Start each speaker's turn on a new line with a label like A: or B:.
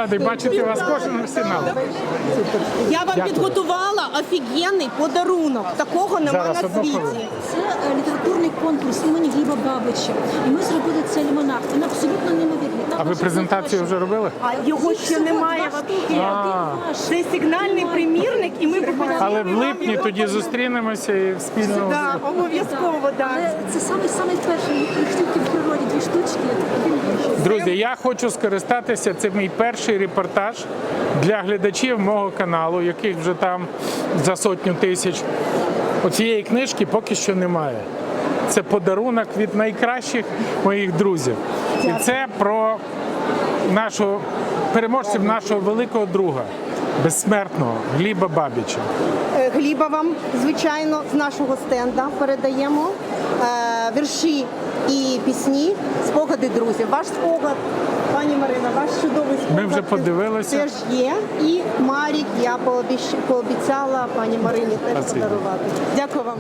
A: радий бачити вас кожного фінал.
B: Я вам підготувала офігенний подарунок. Такого нема
A: Зараз,
B: на
A: одну
B: світі.
A: хвилину.
C: Це літературний конкурс імені Гліба Бабича. І ми зробили цей лимонад. Він абсолютно неймовірний.
A: А ви презентацію вже робили?
B: А його ще немає Це сигнальний примірник, і ми пропонуємо.
A: Але в липні тоді зустрінемося і спільно.
B: Да, обов'язково, да.
C: Але це самий перший, їх тільки в природі, 2 штучки.
A: Друзі, я хочу скористатися, це мій перший репортаж для глядачів мого каналу, яких вже там за 100 тисяч. Оцієї книжки поки що немає. Це подарунок від найкращих моїх друзів. І це про переможців нашого великого друга, безсмертного Гліба Бабича.
B: Гліба вам, звичайно, з нашого стенда передаємо вірші і пісні, спогади друзів. Ваш спогад, пані Марина, ваш чудовий спогад.
A: Ми вже подивилися.
B: Теж є. І Марік я пообіцяла пані Марині теж
A: Спасибо.
B: подарувати. Дякую вам.